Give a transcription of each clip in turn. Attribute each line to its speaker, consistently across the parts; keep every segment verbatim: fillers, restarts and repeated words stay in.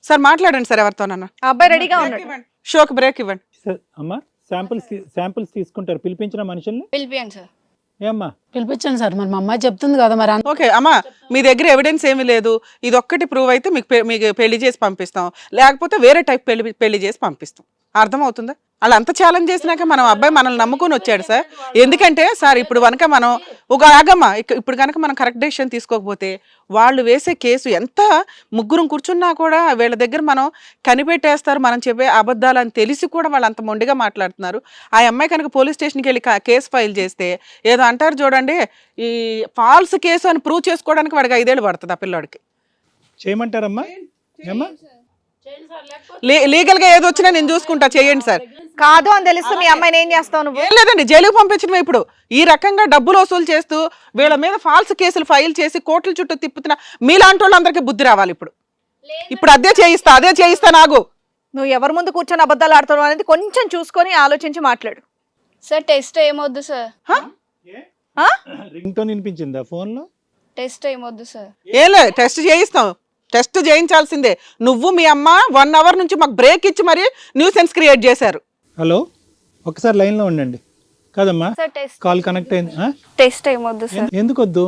Speaker 1: Sir మాట్లాడండి sir ఎవరితోనన్నా.
Speaker 2: ఆ అబ్బాయి రెడీగా ఉన్నాడు.
Speaker 1: షోకి బ్రేక్ ఇవ్వండి.
Speaker 3: సార్ అమ్మా శాంపిల్స్ శాంపిల్స్ తీసుకుంటారు, పిలిపించిన మనుషుల్ని
Speaker 4: పిలిపియండి సార్.
Speaker 3: ఏమ్మా
Speaker 5: పిలిపించండి సార్, మరి మా అమ్మాయి చెప్తుంది కదా మరి.
Speaker 1: ఓకే అమ్మా, మీ దగ్గర ఎవిడెన్స్ ఏమీ లేదు, ఇది ఒక్కటి ప్రూవ్ అయితే మీకు పె- మీకు పెళ్లి చేసి పంపిస్తాం, లేకపోతే వేరే టైప్ పెళ్లి పెళ్లి చేసి పంపిస్తాం. అర్థమవుతుందా? అలా అంత ఛాలెంజ్ చేసినాక మనం అబ్బాయి మనల్ని నమ్ముకొని వచ్చాడు సార్. ఎందుకంటే సార్ ఇప్పుడు కనుక మనం ఒక ఆగమ్మ ఇక- ఇప్పుడు కనుక మనం కరెక్ట్ డెసిషన్ తీసుకోకపోతే వాళ్ళు వేసే కేసు ఎంత ముగ్గురం కూర్చున్నా కూడా వీళ్ళ దగ్గర మనం కనిపెట్టేస్తారు, మనం చెప్పే అబద్ధాలు అని తెలిసి కూడా వాళ్ళు అంత మొండిగా మాట్లాడుతున్నారు. ఆ అమ్మాయి కనుక పోలీస్ స్టేషన్కి వెళ్ళి కా- కేసు ఫైల్ చేస్తే ఏదో అంటారు చూడండి, ఈ ఫాల్స్ కేసు అని ప్రూవ్ చేసుకోవడానికి వాడికి ఐదేళ్ళు పడుతుంది ఆ పిల్లోడికి.
Speaker 3: చేయమంటారమ్మా? ఏమ్మా
Speaker 1: లీగల్ గా ఏది వచ్చినా నేను చూసుకుంటా, చేయండి సార్.
Speaker 2: కాదు అని తెలుసు మీ అమ్మాయిని ఏం చేస్తావు నువ్వు?
Speaker 1: ఏం లేదండి, జైలుకు పంపించడమే. ఇప్పుడు ఈ రకంగా డబ్బులు వసూలు చేస్తూ వీళ్ళ మీద ఫాల్స్ కేసులు ఫైల్ చేసి కోర్టుల చుట్టూ తిప్పుతున్న మీలాంటి వాళ్ళందరికీ బుద్ధి రావాలి. ఇప్పుడు ఇప్పుడు అదే చేయిస్తా అదే చేయిస్తా నాగు.
Speaker 2: నువ్వు ఎవరి ముందు కూర్చొని అబద్ధాలు ఆడుతున్నావు అనేది కొంచెం చూసుకొని ఆలోచించి మాట్లాడు.
Speaker 4: సార్ టెస్ట్ ఏమొద్దు సార్.
Speaker 3: రింగ్ టోన్ వినిపించిందా ఫోన్ లో?
Speaker 4: టెస్ట్ ఏమొద్దు సార్.
Speaker 1: ఏం లేదు, టెస్ట్ చేయిస్తాం, టెస్ట్ చేయించాల్సిందే. నువ్వు మీ అమ్మ వన్ అవర్ నుంచి మాకు బ్రేక్ ఇచ్చి మరి న్యూసెన్స్ క్రియేట్ చేశారు.
Speaker 3: హలో, ఒకసారి లైన్ లో ఉండండి. కాదమ్మా,
Speaker 4: సార్ టెస్ట్
Speaker 3: కాల్ కనెక్ట్ అయింది. ఆ?
Speaker 4: టెస్ట్ ఏమొద్దు సార్.
Speaker 3: ఎందుకు వద్దు?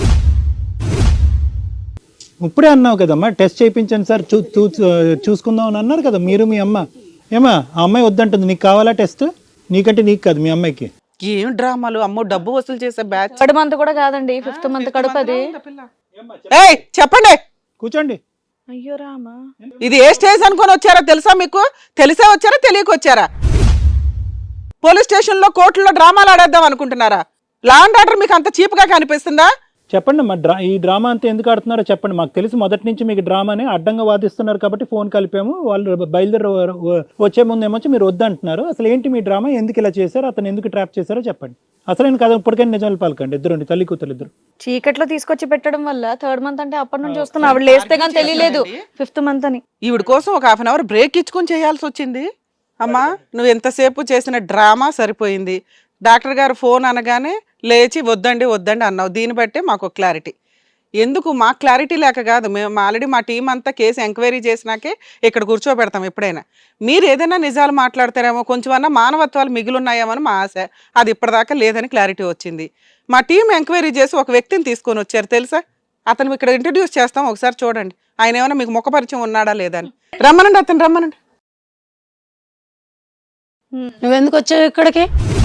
Speaker 3: ఇప్పుడే అన్నావు కదమ్మా టెస్ట్ చేయించండి సార్, చూ చూ- చూసుకుందాం అని అన్నారు కదా మీరు మీ అమ్మ. ఏమా ఆ అమ్మాయి వద్దంటుంది, నీకు కావాలా టెస్ట్? నీకంటే నీకు కాదు, మీ అమ్మాయికి.
Speaker 1: ఏం డ్రామాలు అమ్మో, డబ్బు వసూలు చేసే బ్యాచ్.
Speaker 2: థర్డ్ మంత్ కూడా కాదండి, ఫిఫ్త్ మంత్ కడుపు అది.
Speaker 1: ఏయ్ చెప్పండి,
Speaker 3: కూర్చోండి.
Speaker 2: అయ్యో రామా,
Speaker 1: ఇది ఏ స్టేజ్ అనుకొని వచ్చారో తెలుసా మీకు? తెలిసే వచ్చారా తెలియక వచ్చారా? పోలీస్ స్టేషన్ లో కోర్టులో డ్రామాలు ఆడేద్దాం అనుకుంటున్నారా? లా అండ్ ఆర్డర్ మీకు అంత చీప్ గా కనిపిస్తుందా?
Speaker 3: చెప్పండి అమ్మా, డ్రా ఈ డ్రామా అంతా ఎందుకు ఆడుతున్నారో చెప్పండి. మాకు తెలిసి మొదటి నుంచి మీకు డ్రామాని అడ్డంగా వాదిస్తున్నారు కాబట్టి ఫోన్ కలిపాము. వాళ్ళు బయలుదేరి వచ్చే ముందు ఏమొచ్చి మీరు వద్దంటున్నారు. అసలు ఏంటి మీ డ్రామా? ఎందుకు ఇలా చేశారు? అతను ఎందుకు ట్రాప్ చేశారో చెప్పండి. అసలు నేను కదా ఇప్పటికైనా నిజాలు పాలకండి. ఇద్దరు తల్లి కూతురు ఇద్దరు
Speaker 2: చీకట్లో తీసుకొచ్చి పెట్టడం వల్ల థర్డ్ మంత్ అంటే అప్పటి నుంచి వస్తున్నా. ఆవిడ లేస్తే కానీ తెలియలేదు ఫిఫ్త్ మంత్ అని.
Speaker 1: ఈవిడ కోసం ఒక హాఫ్ అన్ అవర్ బ్రేక్ ఇచ్చుకొని చేయాల్సి వచ్చింది. అమ్మా నువ్వు ఎంతసేపు చేసిన డ్రామా సరిపోయింది. డాక్టర్ గారు ఫోన్ అనగానే లేచి వద్దండి వద్దండి అన్నావు. దీన్ని బట్టే మాకు క్లారిటీ. ఎందుకు మాకు క్లారిటీ లేక కాదు, మేము ఆల్రెడీ మా టీం అంతా కేసు ఎంక్వైరీ చేసినాకే ఇక్కడ కూర్చోబెడతాం. ఎప్పుడైనా మీరు ఏదైనా నిజాలు మాట్లాడతారేమో, కొంచెమన్నా మానవత్వాలు మిగిలిన్నాయేమో అని మా ఆశ. అది ఇప్పటిదాకా లేదని క్లారిటీ వచ్చింది. మా టీం ఎంక్వైరీ చేసి ఒక వ్యక్తిని తీసుకొని వచ్చారు తెలుసా. అతను ఇక్కడ ఇంట్రడ్యూస్ చేస్తాం, ఒకసారి చూడండి. ఆయన ఏమైనా మీకు ముఖ పరిచయం ఉన్నాడా లేదా అని. రమ్మనండి, అతను రమ్మనండి.
Speaker 5: నువ్వెందుకు వచ్చావు ఇక్కడికి?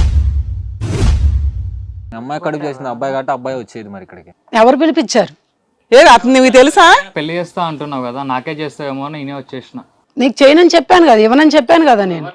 Speaker 6: అమ్మాయి కడుపు చేసింది అబ్బాయి కాబట్టి అబ్బాయి వచ్చేది మరి ఇక్కడికి.
Speaker 5: ఎవరు పిలిపించారు?
Speaker 1: ఏది అతను నీకు తెలుసా?
Speaker 7: పెళ్లి చేస్తా అంటున్నావు కదా, నాకే చేస్తావేమో అని నేనే వచ్చేసిన.
Speaker 5: నీకు చేయనని చెప్పాను కదా, ఇవ్వనని చెప్పాను కదా నేను.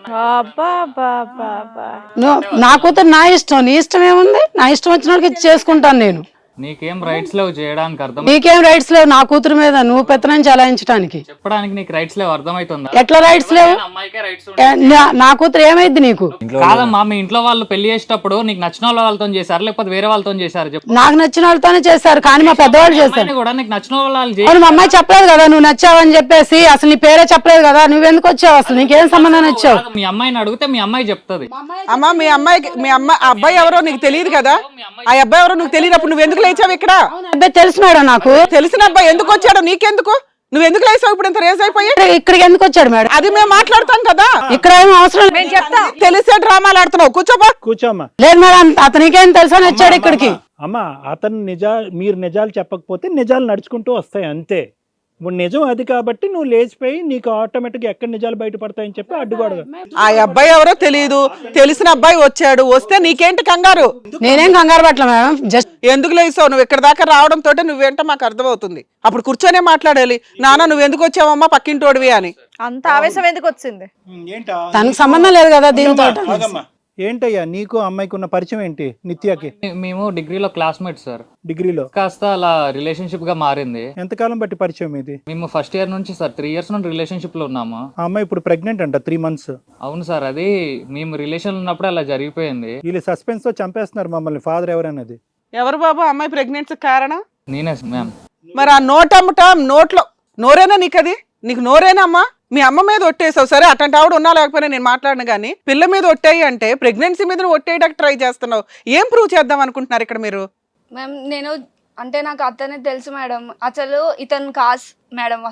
Speaker 5: నువ్వు నా కూతురు నా ఇష్టం, నీ ఇష్టం ఏముంది? నా ఇష్టం వచ్చిన వాళ్ళకి చేసుకుంటాను నేను.
Speaker 7: నీకేం రైట్స్ లేవు చేయడానికి, అర్థం
Speaker 5: నీకేం రైట్స్ లేవు నా కూతురు మీద నువ్వు పెత్తనం చలాయించడానికి.
Speaker 7: చెప్పడానికి నీకు రైట్స్ లేవు, అర్థమవుతుందా?
Speaker 5: ఎట్లా రైట్స్ లేవు?
Speaker 7: అమ్మాయికే రైట్స్
Speaker 5: ఏ, నా- నా కూతురు ఏమైంది నీకు?
Speaker 7: కాదమ్మా, మీ ఇంట్లో వాళ్ళు పెళ్లి చేసేటప్పుడు నీకు నచ్చిన వాళ్ళతో చేశారు లేకపోతే వేరే వాళ్ళతో చేశారు చెప్పు.
Speaker 5: నాకు నచ్చిన వాళ్ళతోనే చేశారు, కానీ మా పెద్దవాళ్ళు చేశారు.
Speaker 7: అమ్మాయిని కూడా నీకు నచ్చిన వాళ్ళు చేయ-
Speaker 5: అవును, మా అమ్మాయి చెప్పలేదు కదా నువ్వు నచ్చావని చెప్పేసి. అసలు నీ పేరే చెప్పలేదు కదా, నువ్వెందుకు వచ్చావు? అసలు నీకేం సంబంధం వచ్చావు?
Speaker 7: మీ అమ్మాయిని అడిగితే మీ అమ్మాయి చెప్తుంది.
Speaker 1: అమ్మా మీ అమ్మాయికి మీ అమ్మ ఆ అబ్బాయి ఎవరో నీకు తెలియదు కదా. ఆ అబ్బాయి ఎవరో నీకు తెలియనప్పుడు నువ్వు ఎందుకు లేచావు ఇక్కడ?
Speaker 5: అబ్బాయి తెలుసు మేడం నాకు.
Speaker 1: తెలిసిన అబ్బాయి ఎందుకు వచ్చాడో నీకెందుకు? నువ్వు ఎందుకు లేసావు ఇప్పుడు ఇంత రేస్ అయిపోయి?
Speaker 5: ఇక్కడ- ఇక్కడికి ఎందుకు వచ్చాడు మేడం?
Speaker 1: అది మేము మాట్లాడతాం కదా.
Speaker 5: ఇక్కడ ఏం అవసరం లేదు.
Speaker 2: నేను చెప్తా.
Speaker 1: తెలిసే డ్రామాలు ఆడుతున్నావు, కూర్చోబా.
Speaker 3: కూర్చోమ్మా.
Speaker 5: లేదు మేడం, అతనికేం తెలుసా అని వచ్చాడు ఇక్కడికి.
Speaker 3: అమ్మా అతను నిజా మీరు నిజాలు చెప్పకపోతే నిజాలు నడుచుకుంటూ వస్తాయి అంతే. ఇప్పుడు నిజం అది కాబట్టి నువ్వు లేచిపోయి నీకు ఆటోమేటిక్గా ఎక్కడ నిజాలు బయటపడతాయని చెప్పి అడ్డుగోడగా.
Speaker 1: ఆ అబ్బాయి ఎవరో తెలియదు, తెలిసిన అబ్బాయి వచ్చాడు. వస్తే నీకేంటి కంగారు?
Speaker 5: నేనేం కంగారు పట్ల మేడం, జస్ట్
Speaker 1: ఎందుకు లేసావు? నువ్వు ఇక్కడ దాకా రావడం తోటే నువ్వేంటో మాకు అర్థమవుతుంది. అప్పుడు కూర్చొనే మాట్లాడాలి, నాన్న నువ్వు ఎందుకు వచ్చావమ్మా పక్కింటోడివి అని.
Speaker 2: అంత ఆవేశం ఎందుకు వచ్చింది?
Speaker 3: ఏంటా
Speaker 5: తనకు సంబంధం లేదు కదా దీంతో.
Speaker 3: ఏంటయ్యా నీకు అమ్మాయికి ఉన్న పరిచయం ఏంటి? నిత్యాకి
Speaker 7: మేము డిగ్రీలో క్లాస్మేట్స్ సార్.
Speaker 3: డిగ్రీలో
Speaker 7: కాస్త అలా రిలేషన్షిప్ గా మారింది.
Speaker 3: ఎంతకాలం బట్టి పరిచయం ఇది?
Speaker 7: మేము ఫస్ట్ ఇయర్ నుంచి సార్ త్రీ ఇయర్స్ నుండి రిలేషన్షిప్ లో ఉన్నాము.
Speaker 3: ఆ అమ్మాయి ఇప్పుడు ప్రెగ్నెంట్ అంట, త్రీ మంత్స్.
Speaker 7: అవును సార్, అది మేము రిలేషన్ ఉన్నప్పుడు అలా జరిగిపోయింది.
Speaker 3: వీళ్ళు సస్పెన్స్ తో చంపేస్తున్నారు మమ్మల్ని. ఫాదర్ ఎవరన్నది
Speaker 1: ఎవరు బాబు అమ్మాయి ప్రెగ్నెన్సీ కారణం?
Speaker 7: నేనే మ్యామ్.
Speaker 1: మరి ఆ నోట్ అమ్మట నోట్లో నోరేనా నీకు? అది నీకు నోరేనా అమ్మా? మీ అమ్మ మీద ఒట్టేసావు, సరే అట్లాంటి ఆవిడ ఉన్నా లేకపోయినా నేను మాట్లాడను కానీ పిల్ల మీద ఒట్టేయి అంటే ప్రెగ్నెన్సీ మీద ఒట్టేయడానికి ట్రై చేస్తున్నావు. ఏం ప్రూవ్ చేద్దాం అనుకుంటున్నారు ఇక్కడ మీరు?
Speaker 4: మ్యామ్ నేను అంటే నాకు అతనే తెలుసు మేడం, అసలు ఇతను కాస్ మేడం, అసలు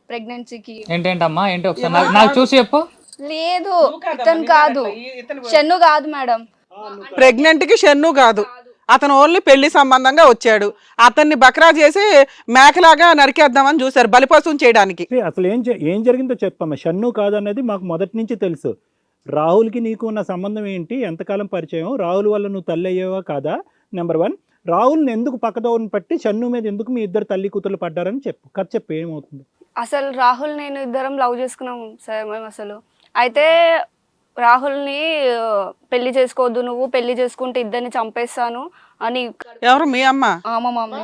Speaker 4: ప్రెగ్నెన్సీకి.
Speaker 7: ఏంటేంటమ్మా ఏంటి ఒకసారి నాకు- నాకు చూసి చెప్పు.
Speaker 4: లేదు ఇతను కాదు, షన్ను కాదు మేడం.
Speaker 1: ప్రెగ్నెంట్ కి షన్ను కాదు, అతను ఓన్లీ పెళ్లి సంబంధంగా వచ్చాడు. అతన్ని బక్రా చేసి మేకలాగా నరికేద్దామని చూశారు బలిపశువుం చేయడానికి.
Speaker 3: ఏ, అసలు ఏం జ- ఏం జరిగిందో చెప్పమ్మా. షన్ను కాదన్నది మాకు మొదటి నుంచి తెలుసు. రాహుల్కి నీకు ఉన్న సంబంధం ఏంటి, ఎంతకాలం పరిచయం, రాహుల్ వల్ల నువ్వు తల్లి అయ్యేవా కాదా, నెంబర్ వన్. రాహుల్ని ఎందుకు పక్కదోవని పట్టి షన్ను మీద ఎందుకు మీ ఇద్దరు తల్లి కూతుర్లు పడ్డారని చెప్పు, కథ చెప్పు ఏమవుతుంది.
Speaker 4: అసలు రాహుల్ నేను ఇద్దరం లవ్ చేసుకున్నాం సార్ మేము. అసలు అయితే రాహుల్ని ఆ, పెళ్లి చేసుకోవద్దు, నువ్వు పెళ్లి చేసుకుంటే ఇద్దరిని చంపేస్తాను అని.
Speaker 1: ఎవరు మీ అమ్మ?
Speaker 4: ఆ, మా మమ్మీ.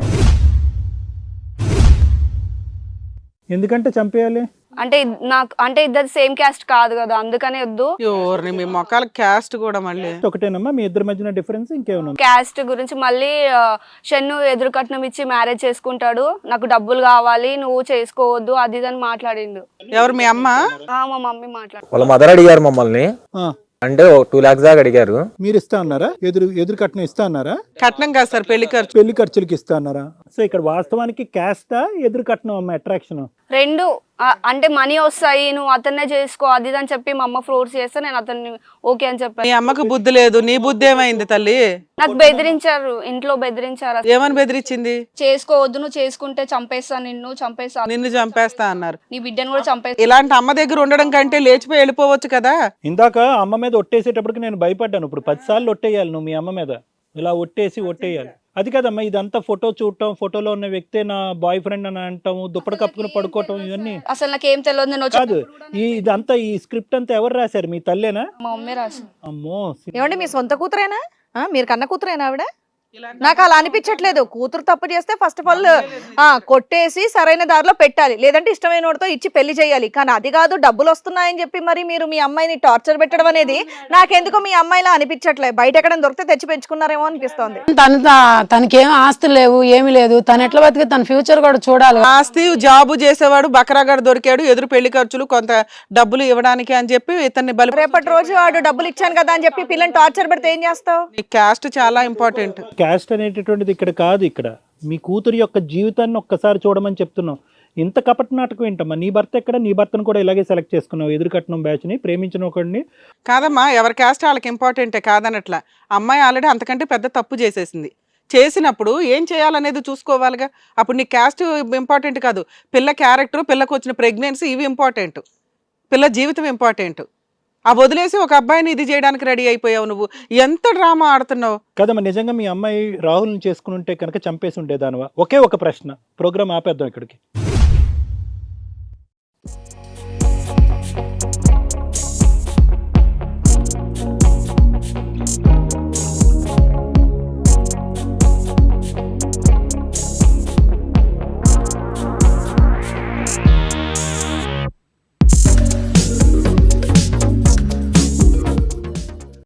Speaker 3: ఎందుకంటే చంపేయాలి
Speaker 4: అంటే ఇద్- నాకు అంటే ఇద్దరు సేమ్ క్యాస్ట్ కాదు కదా, అందుకనే వద్దు.
Speaker 1: ఎవరిని మీ మొక్కల క్యాస్ట్ కూడా మళ్ళీ
Speaker 3: ఒకటేనమ్మా మీ ఇద్దరి మధ్యన డిఫరెన్స్, ఇంకేమన్నా ఉందా?
Speaker 4: క్యాస్ట్ గురించి మళ్ళీ ఆ, షన్ను ఎదురు కట్నం ఇచ్చి మ్యారేజ్ చేసుకుంటాడు, నాకు డబ్బులు కావాలి, నువ్వు చేసుకోవద్దు అది ఇది అని మాట్లాడిండు.
Speaker 1: ఎవరు మీ అమ్మ?
Speaker 4: ఆ, మా మమ్మీ మాట్లాడు.
Speaker 6: వాళ్ళ మదర్ అడిగారు మమ్మల్ని,
Speaker 3: ఆ,
Speaker 6: అంటే టూ లాక్స్ దాకా అడిగారు.
Speaker 3: మీరు ఇస్తా అన్నారా, ఎదురు ఎదురు కట్నం ఇస్తా అన్నారా,
Speaker 1: కట్నం కాదు సార్ పెళ్లి ఖర్చు.
Speaker 3: పెళ్లి ఖర్చులకి ఇస్తా అన్నారా? సో ఇక్కడ వాస్తవానికి క్యాస్టా ఎదురు కట్నం అమ్మ అట్రాక్షన్?
Speaker 4: రెండు ఆ, అంటే మనీ వస్తాయి, నువ్వు అతన్నే చేసుకో అది ఇది అని చెప్పి మా అమ్మ ఫోర్స్ చేస్తే నేను అతన్ని ఓకే అని
Speaker 1: మీ
Speaker 4: చెప్పాను.
Speaker 1: అమ్మకు బుద్ధి లేదు, నీ బుద్ధి ఏమైంది తల్లి?
Speaker 4: నాకు బెదిరించారు, ఇంట్లో బెదిరించారు.
Speaker 1: ఏమని బెదిరించింది?
Speaker 4: చేసుకోవద్దు, నువ్వు చేసుకుంటే చంపేస్తా, నిన్ను చంపేస్తా,
Speaker 1: నిన్ను చంపేస్తా అన్నారు.
Speaker 4: నీ బిడ్డను కూడా చంపేస్తా.
Speaker 1: ఇలాంటి అమ్మ దగ్గర ఉండడం కంటే లేచిపోయి వెళ్ళిపోవచ్చు కదా.
Speaker 3: ఇందాక అమ్మ మీద ఒట్టేసేటప్పటికి నేను భయపడ్డాను. ఇప్పుడు పది సార్లు ఒట్టేయాలి నువ్వు మీ అమ్మ మీద, ఇలా ఒట్టేసి ఒట్టేయాలి. అది కదమ్మా, ఇదంతా ఫోటో చూడటం, ఫోటోలో ఉన్న వ్యక్తే నా బాయ్ ఫ్రెండ్ అని అంటాము, దుప్పటి కప్పుకుని పడుకోవటం, ఇవన్నీ
Speaker 4: అసలు నాకేం తెలియదు. నేను వచ్చి
Speaker 3: కాదు. ఈ ఇదంతా ఈ స్క్రిప్ట్ అంతా ఎవరు రాశారు, మీ తల్లేనా?
Speaker 4: మా మమ్మీ రాసి.
Speaker 3: అమ్మో,
Speaker 2: ఏమండి మీ సొంత కూతురేనా? ఆ, మీరు కన్న కూతురేనా ఆవిడ? నాకు అలా అనిపించట్లేదు. కూతురు తప్పు చేస్తే ఫస్ట్ ఆఫ్ ఆల్ కొట్టేసి సరైన దారిలో పెట్టాలి, లేదంటే ఇష్టమైన వాడితో ఇచ్చి పెళ్లి చేయాలి. కానీ అది కాదు, డబ్బులు వస్తున్నాయని చెప్పి మరి మీరు మీ అమ్మాయిని టార్చర్ పెట్టడం అనేది నాకెందుకో మీ అమ్మాయిలా అనిపించట్లేదు. బయట ఎక్కడ దొరికితే తెచ్చి పెంచుకున్నారేమో అనిపిస్తోంది.
Speaker 5: తను తా- తనకేం ఆస్తులు లేవు, ఏమీ లేదు. తను ఎట్లా బతికి తన ఫ్యూచర్ కూడా చూడాలి.
Speaker 1: ఆస్తి జాబు చేసేవాడు బకరాగాడు దొరికాడు, ఎదురు పెళ్లి ఖర్చులు కొంత డబ్బులు ఇవ్వడానికి అని చెప్పి ఇతన్ని బలి.
Speaker 2: రేపటి రోజు వాడు డబ్బులు ఇచ్చాను కదా అని చెప్పి పిల్లని టార్చర్ పెడితే ఏం చేస్తావు?
Speaker 1: క్యాస్ట్ చాలా ఇంపార్టెంట్.
Speaker 3: క్యాస్ట్ అనేటటువంటిది ఇక్కడ కాదు. ఇక్కడ మీ కూతురు యొక్క జీవితాన్ని ఒక్కసారి చూడమని చెప్తున్నాం. ఇంత కపట నాటకం ఏంటమ్మా? నీ భర్త ఎక్కడ? నీ భర్తను కూడా ఇలాగే సెలెక్ట్ చేసుకున్నావు, ఎదురు కట్నం బ్యాచ్ ని, ప్రేమించిన ఒకడిని.
Speaker 1: కాదమ్మా, ఎవరి క్యాస్ట్ వాళ్ళకి ఇంపార్టెంటే కాదనట్లా. అమ్మాయి ఆల్రెడీ అంతకంటే పెద్ద తప్పు చేసేసింది. చేసినప్పుడు ఏం చేయాలనేది చూసుకోవాలిగా. అప్పుడు నీ క్యాస్ట్ ఇంపార్టెంట్ కాదు, పిల్ల క్యారెక్టర్, పిల్లకు వచ్చిన ప్రెగ్నెన్సీ ఇవి ఇంపార్టెంట్, పిల్ల జీవితం ఇంపార్టెంట్. ఆ వదిలేసి ఒక అబ్బాయిని ఇది చేయడానికి రెడీ అయిపోయావు నువ్వు. ఎంత డ్రామా ఆడుతున్నావు
Speaker 3: కదమ్మా. నిజంగా మీ అమ్మాయి రాహుల్ని చేసుకుని ఉంటే కనుక చంపేసి ఉండేదానివా? ఒకే ఒక ప్రశ్న, ప్రోగ్రామ్ ఆపేద్దాం ఇక్కడికి.